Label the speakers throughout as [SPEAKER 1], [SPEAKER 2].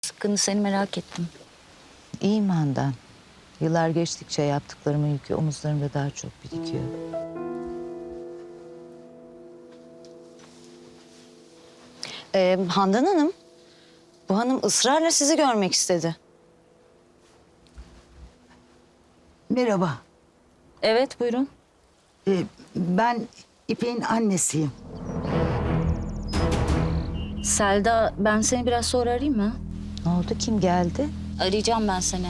[SPEAKER 1] Sıkkını seni merak ettim.
[SPEAKER 2] İyiyim Handan. Yıllar geçtikçe yaptıklarımın yükü omuzlarımda daha çok birikiyor.
[SPEAKER 1] Handan Hanım, bu hanım ısrarla sizi görmek istedi.
[SPEAKER 3] Merhaba.
[SPEAKER 1] Evet, buyurun.
[SPEAKER 3] Ben İpek'in annesiyim.
[SPEAKER 1] Selda, ben seni biraz sonra arayayım mı?
[SPEAKER 2] Ne oldu? Kim geldi?
[SPEAKER 1] Arayacağım ben seni.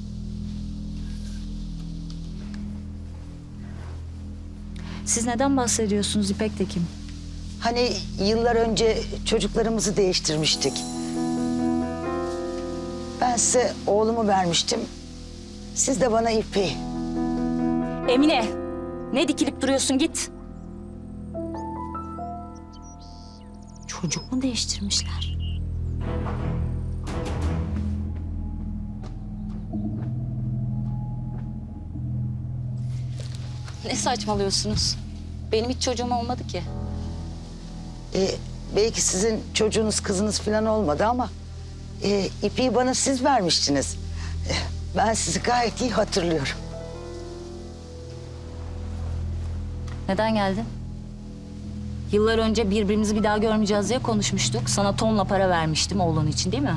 [SPEAKER 1] Siz neden bahsediyorsunuz İpek de kim?
[SPEAKER 3] Hani yıllar önce çocuklarımızı değiştirmiştik. Ben size oğlumu vermiştim. Siz de bana İpek'i.
[SPEAKER 1] Emine, ne dikilip duruyorsun git. Çocuk mu değiştirmişler? Ne saçmalıyorsunuz? Benim hiç çocuğum olmadı ki.
[SPEAKER 3] Belki sizin çocuğunuz, kızınız falan olmadı ama... İpek'i bana siz vermiştiniz. Ben sizi gayet iyi hatırlıyorum.
[SPEAKER 1] Neden geldin? Yıllar önce birbirimizi bir daha görmeyeceğiz diye konuşmuştuk. Sana tonla para vermiştim oğlun için, değil mi?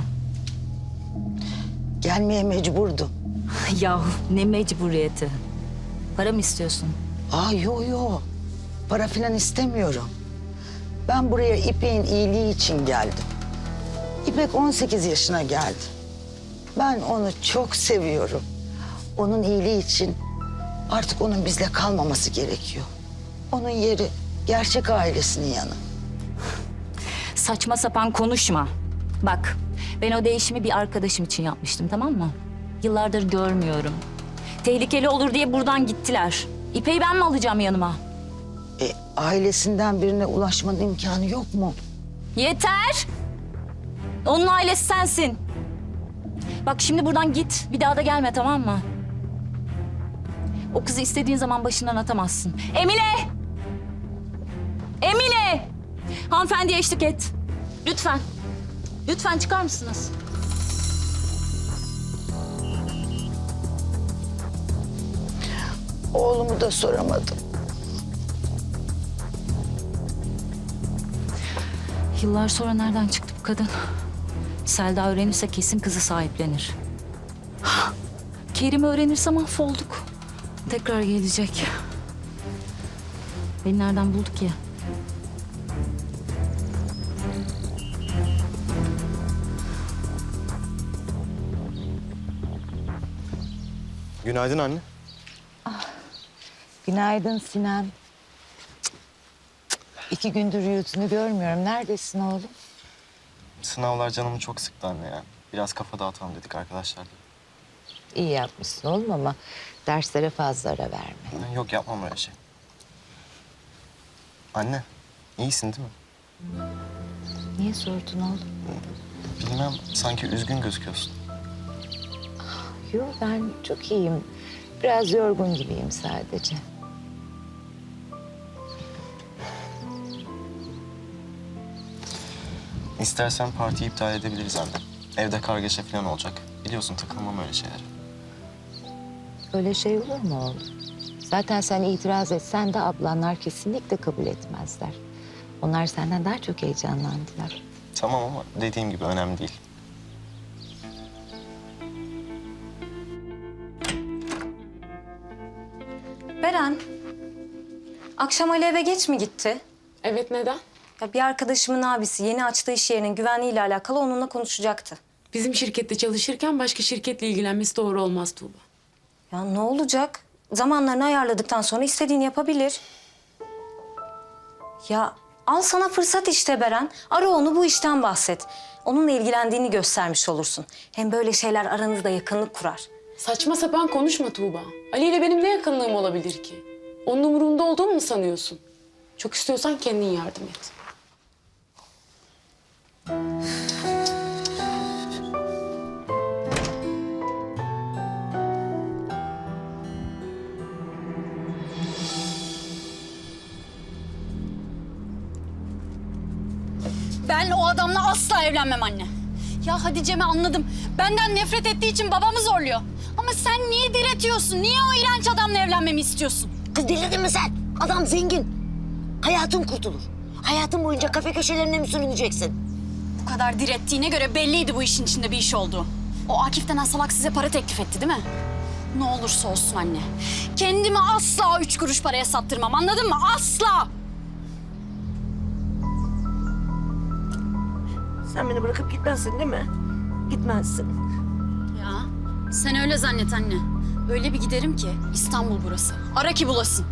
[SPEAKER 3] Gelmeye mecburdum.
[SPEAKER 1] Yahu ne mecburiyeti. Para mı istiyorsun?
[SPEAKER 3] Yo. Para falan istemiyorum. Ben buraya İpek'in iyiliği için geldim. İpek 18 yaşına geldi. Ben onu çok seviyorum. Onun iyiliği için artık onun bizle kalmaması gerekiyor. Onun yeri gerçek ailesinin yanı.
[SPEAKER 1] Saçma sapan konuşma. Bak, ben o değişimi bir arkadaşım için yapmıştım, tamam mı? Yıllardır görmüyorum. Tehlikeli olur diye buradan gittiler. İpek'i ben mi alacağım yanıma?
[SPEAKER 3] Ailesinden birine ulaşmanın imkanı yok mu?
[SPEAKER 1] Yeter! Onun ailesi sensin. Bak şimdi buradan git. Bir daha da gelme, tamam mı? O kızı istediğin zaman başından atamazsın. Emine! Emine! Hanımefendiye eşlik et. Lütfen. Lütfen çıkar mısınız?
[SPEAKER 3] Oğlumu da soramadım.
[SPEAKER 1] Yıllar sonra nereden çıktı bu kadın? Selda öğrenirse kesin kızı sahiplenir. Kerim öğrenirse mahvolduk. Tekrar gelecek. Beni nereden buldu ki?
[SPEAKER 4] Günaydın anne.
[SPEAKER 2] Günaydın Sinan. 2 gündür yüzünü görmüyorum. Neredesin oğlum?
[SPEAKER 4] Sınavlar canımı çok sıktı anne ya. Biraz kafa dağıtalım dedik arkadaşlarla.
[SPEAKER 2] İyi yapmışsın oğlum ama derslere fazla ara verme.
[SPEAKER 4] Yok yapmam öyle şey. Anne, iyisin değil mi?
[SPEAKER 2] Niye sordun oğlum?
[SPEAKER 4] Bilmem, sanki üzgün gözüküyorsun.
[SPEAKER 2] Yok, ben çok iyiyim. Biraz yorgun gibiyim sadece.
[SPEAKER 4] İstersen partiyi iptal edebiliriz anne. Evde kargaşa falan olacak. Biliyorsun takılmam öyle şeylere.
[SPEAKER 2] Öyle şey olur mu oğlum? Zaten sen itiraz etsen de ablanlar kesinlikle kabul etmezler. Onlar senden daha çok heyecanlandılar.
[SPEAKER 4] Tamam ama dediğim gibi önemli değil.
[SPEAKER 5] Beren, akşam Ali eve geç mi gitti?
[SPEAKER 6] Evet, neden?
[SPEAKER 5] Ya bir arkadaşımın abisi yeni açtığı iş yerinin güvenliğiyle alakalı onunla konuşacaktı.
[SPEAKER 6] Bizim şirkette çalışırken başka şirketle ilgilenmesi doğru olmaz Tuğba.
[SPEAKER 5] Ya ne olacak? Zamanlarını ayarladıktan sonra istediğini yapabilir. Ya al sana fırsat işte Beren. Ara onu, bu işten bahset. Onunla ilgilendiğini göstermiş olursun. Hem böyle şeyler aranızda yakınlık kurar.
[SPEAKER 6] Saçma sapan konuşma Tuğba. Ali ile benim ne yakınlığım olabilir ki? Onun umurumda olduğumu mu sanıyorsun? Çok istiyorsan kendin yardım et.
[SPEAKER 7] Ben o adamla asla evlenmem anne. Ya Hatice'mi anladım. Benden nefret ettiği için babamı zorluyor. Ama sen niye diretiyorsun? Niye o iğrenç adamla evlenmemi istiyorsun?
[SPEAKER 8] Kız delirdin mi sen? Adam zengin. Hayatın kurtulur. Hayatın boyunca kafe köşelerine mi sürüneceksin?
[SPEAKER 7] Bu kadar direttiğine göre belliydi bu işin içinde bir iş olduğu. O Akif denen salak size para teklif etti değil mi? Ne olursa olsun anne. Kendimi asla 3 kuruş paraya sattırmam, anladın mı? Asla!
[SPEAKER 8] Sen beni bırakıp gitmezsin değil mi? Gitmezsin.
[SPEAKER 7] Ya sen öyle zannet anne. Öyle bir giderim ki İstanbul burası. Ara ki bulasın.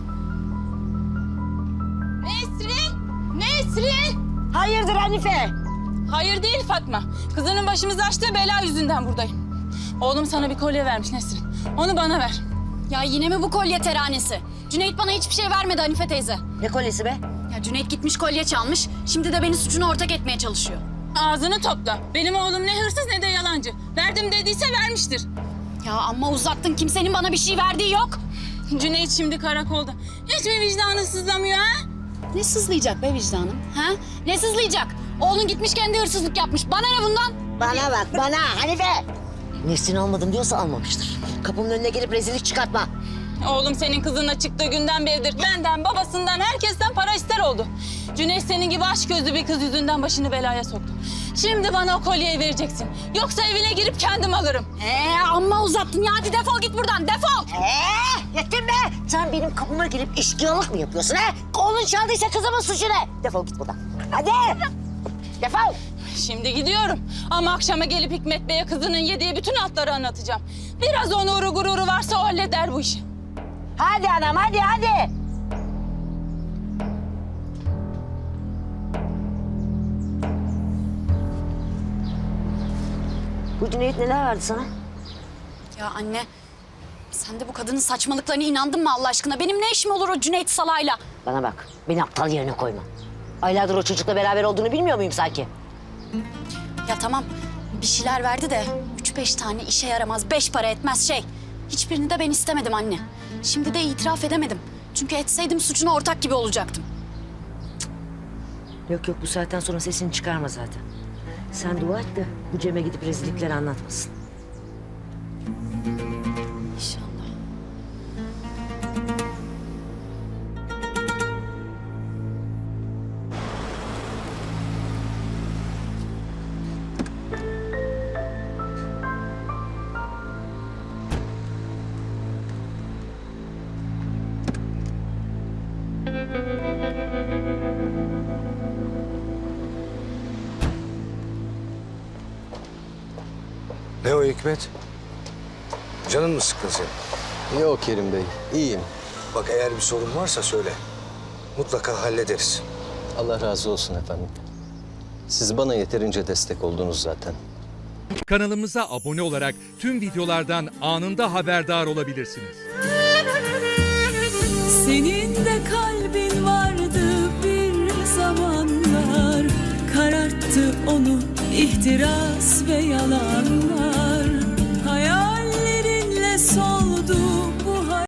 [SPEAKER 9] Nesrin! Nesrin!
[SPEAKER 8] Hayırdır Hanife?
[SPEAKER 9] Hayır değil Fatma. Kızının başımızı açtığı bela yüzünden buradayım. Oğlum sana bir kolye vermiş Nesrin. Onu bana ver.
[SPEAKER 7] Ya yine mi bu kolye teranesi? Cüneyt bana hiçbir şey vermedi Hanife teyze.
[SPEAKER 8] Ne kolyesi be?
[SPEAKER 7] Ya Cüneyt gitmiş kolye çalmış. Şimdi de beni suçuna ortak etmeye çalışıyor.
[SPEAKER 9] Ağzını topla. Benim oğlum ne hırsız ne de yalancı. Verdim dediyse vermiştir.
[SPEAKER 7] Ya amma uzattın. Kimsenin bana bir şey verdiği yok.
[SPEAKER 9] Cüneyt şimdi karakolda. Hiç mi vicdanı sızlamıyor ha?
[SPEAKER 7] Ne sızlayacak be vicdanım? Ha? Ne sızlayacak? Oğlun gitmiş kendi hırsızlık yapmış. Bana ne bundan?
[SPEAKER 8] Bana bak bana Hanife. Nesrin almadım diyorsa almamıştır. Kapımın önüne gelip rezillik çıkartma.
[SPEAKER 9] Oğlum senin kızınla çıktığı günden beridir benden, babasından, herkesten para ister oldu. Cüneyt senin gibi açgözlü bir kız yüzünden başını belaya soktu. Şimdi bana o kolyeyi vereceksin. Yoksa evine girip kendim alırım.
[SPEAKER 7] Amma uzattın ya. Hadi defol git buradan. Defol.
[SPEAKER 8] Yettin be! Sen benim kapıma gelip eşkıyalık mı yapıyorsun ha? Oğlun çaldıysa kızımın suçu ne? Defol git buradan. Hadi! Defol!
[SPEAKER 9] Şimdi gidiyorum. Ama akşama gelip Hikmet Bey'e kızının yediği bütün altları anlatacağım. Biraz onuru gururu varsa o halleder bu işi.
[SPEAKER 8] Hadi anam hadi hadi! Bu Cüneyt neler verdi sana?
[SPEAKER 7] Ya anne, sen de bu kadının saçmalıklarına inandın mı Allah aşkına? Benim ne işim olur o Cüneyt salayla?
[SPEAKER 8] Bana bak, beni aptal yerine koyma. Aylardır o çocukla beraber olduğunu bilmiyor muyum sanki?
[SPEAKER 7] Ya tamam, bir şeyler verdi de 3-5 tane işe yaramaz, 5 para etmez şey. Hiçbirini de ben istemedim anne. Şimdi de itiraf edemedim. Çünkü etseydim suçuna ortak gibi olacaktım.
[SPEAKER 8] Yok yok, bu saatten sonra sesini çıkarma zaten. Sen dua et de bu Cem'e gidip rezillikleri anlatmasın.
[SPEAKER 7] İnşallah.
[SPEAKER 10] Ne o Hikmet? Canın mı sıkkın senin?
[SPEAKER 11] Yok Kerim Bey, iyiyim.
[SPEAKER 10] Bak eğer bir sorun varsa söyle. Mutlaka hallederiz.
[SPEAKER 11] Allah razı olsun efendim. Siz bana yeterince destek oldunuz zaten.
[SPEAKER 12] Kanalımıza abone olarak tüm videolardan anında haberdar olabilirsiniz.
[SPEAKER 13] Senin de kalbin vardı bir zamanlar, kararttı onu ihtiras ve yalanlar.